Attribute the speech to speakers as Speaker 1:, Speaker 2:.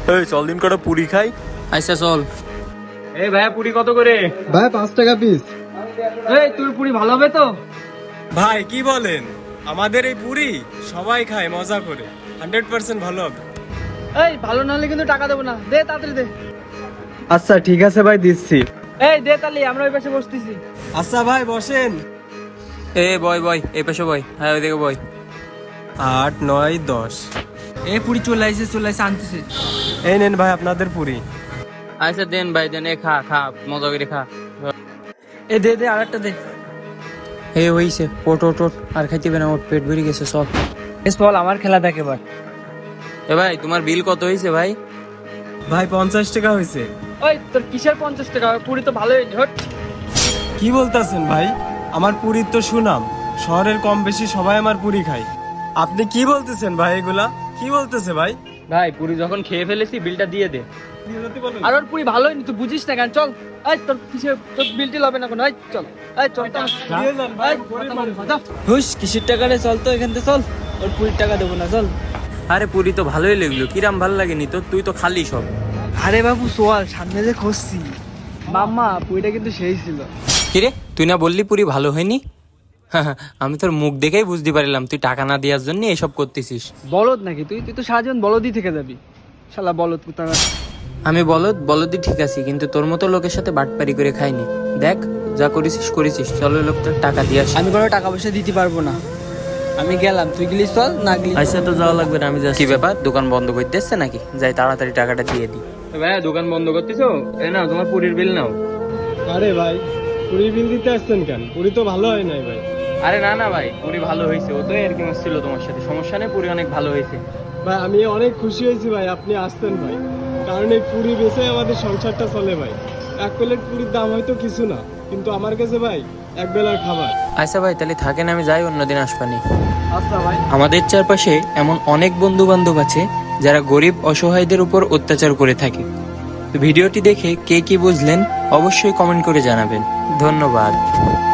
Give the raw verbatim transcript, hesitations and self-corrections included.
Speaker 1: এই চল দিন কটা পুরি খাই।
Speaker 2: আচ্ছা চল।
Speaker 3: এই ভাইয়া পুরি কত করে?
Speaker 4: ভাই পাঁচ টাকা পিস।
Speaker 3: এই তোর পুরি ভালো হবে তো?
Speaker 1: ভাই কি বলেন, আমাদের এই পুরি সবাই খায় মজা করে, হান্ড্রেড পার্সেন্ট ভালো হবে।
Speaker 3: এই ভালো না হলে কিন্তু টাকা দেবো না, দে তাড়াতাড়ি দে।
Speaker 4: আচ্ছা ঠিক আছে ভাই, দিচ্ছি।
Speaker 3: এই দে তালি, আমরা ওই পাশে বসতেছি।
Speaker 1: আচ্ছা ভাই বসেন।
Speaker 2: এ বয় বয় এই পাশে বয়, হ্যাঁ ওইদিকে বয়।
Speaker 1: আট নয় দশ।
Speaker 3: এই পুরি চলে আসছে, চলে আসছে, আনতেছে।
Speaker 1: এই নেন ভাই আপনাদের পুরি।
Speaker 2: আচ্ছা দেন ভাই দেন, এ খা খা মজা করে খা।
Speaker 3: এ দে দে, আরেকটা দে।
Speaker 2: এ হইছে, ওট ওট ওট, আর খাইতে হবে না, ওট পেট ভরে গেছে সব।
Speaker 3: বেশ বল, আমার খেলা দেখ এবার।
Speaker 2: এ ভাই তোমার বিল কত হয়েছে ভাই?
Speaker 1: ভাই পঞ্চাশ টাকা হয়েছে।
Speaker 3: ওই তোর কিসের পঞ্চাশ টাকা? পুরি তো ভালোই হয়নি, হট।
Speaker 1: কি বলতেছেন ভাই, আমার পুরীর তো সুনাম, শহরের কম বেশি সবাই আমার পুরি খায়। আপনি কি বলতেছেন ভাই, এগুলা কি বলতেছে ভাই?
Speaker 2: ভাই পুরি যখন খেয়ে ফেলেছি বিলটা দিয়ে দে।
Speaker 3: আর ওর পুরি ভালো হয়নি, তুই বুঝিস না কেন? চল, এই তোর কিসের, তোর বিলটি হবে না কোনো, এই চল, এই চল তো।
Speaker 1: দিয়ে যান ভাই,
Speaker 3: এই,
Speaker 1: পুরি
Speaker 3: কথা
Speaker 1: মারুন।
Speaker 3: বল, যা। হুস, কিসের টাকা রে? চল তো এখান থেকে চল, ওর পুরির টাকা দেবো না, চল।
Speaker 2: আরে পুরি তো ভালোই লাগলো, কিরাম ভালো লাগেনি তো? তুই তো খালি সব।
Speaker 3: আরে বাবু সোয়াল, সামনে যে খুঁজছি মাম্মা, পুরিটা কিন্তু সেই ছিল।
Speaker 2: কিরে তুই না বললি পুরি ভালো হয়নি? আমি তোর মুখ দেখেই বুঝতে পারলাম তুই টাকা না দেওয়ার জন্য এসব করতেছিস।
Speaker 3: বলদ নাকি তুই? তুই তো সারাজীবন বলদই থেকে যাবি, শালা বলদ কুত্তা।
Speaker 2: আমি বলদ বলদই ঠিক আছি, কিন্তু তোর মতো লোকের সাথে বাটপারি করে খাইনি। দেখ যা করেছিস করেছিস, চলো লোকটার টাকা দিয়ে আসি।
Speaker 3: আমি কোনো টাকা পয়সা দিতে পারবো না, আমি গেলাম, তুই গেলিস চল, না গেলি
Speaker 2: আচ্ছা তো যাওয়া লাগবে না, আমি যাচ্ছি। কি ব্যাপার, দোকান বন্ধ করতে এসছে নাকি? যাই তাড়াতাড়ি টাকাটা দিয়ে দিই। ভাই দোকান বন্ধ করতেছো? এই নাও তোমার পুরির বিল নাও।
Speaker 1: আরে ভাই পুরি বিল দিতে আসছেন কেন? পুরি তো ভালো হয় নাই ভাই।
Speaker 2: আরে না না ভাই, পুরি ভালো হয়েছে, ও তো আর কি ছিল তোমার সাথে, সমস্যা নেই, পুরি অনেক ভালো হয়েছে।
Speaker 1: ভাই আমি অনেক খুশি হয়েছি ভাই আপনি আসতেন ভাই, কারণ এই পুরি বেচে আমাদের সংসারটা চলে ভাই। এক প্লেট পুরির দাম হয়তো কিছু না, কিন্তু আমার কাছে ভাই এক বেলার খাবার।
Speaker 2: আচ্ছা ভাই তাহলে থাকেন, আমি যাই, অন্যদিন আসবানি।
Speaker 1: আচ্ছা ভাই।
Speaker 2: আমাদের চারপাশে এমন অনেক বন্ধু বান্ধব আছে যারা গরিব অসহায়দের উপর অত্যাচার করে থাকে। তো ভিডিওটি দেখে কে কি বুঝলেন অবশ্যই কমেন্ট করে জানাবেন। ধন্যবাদ।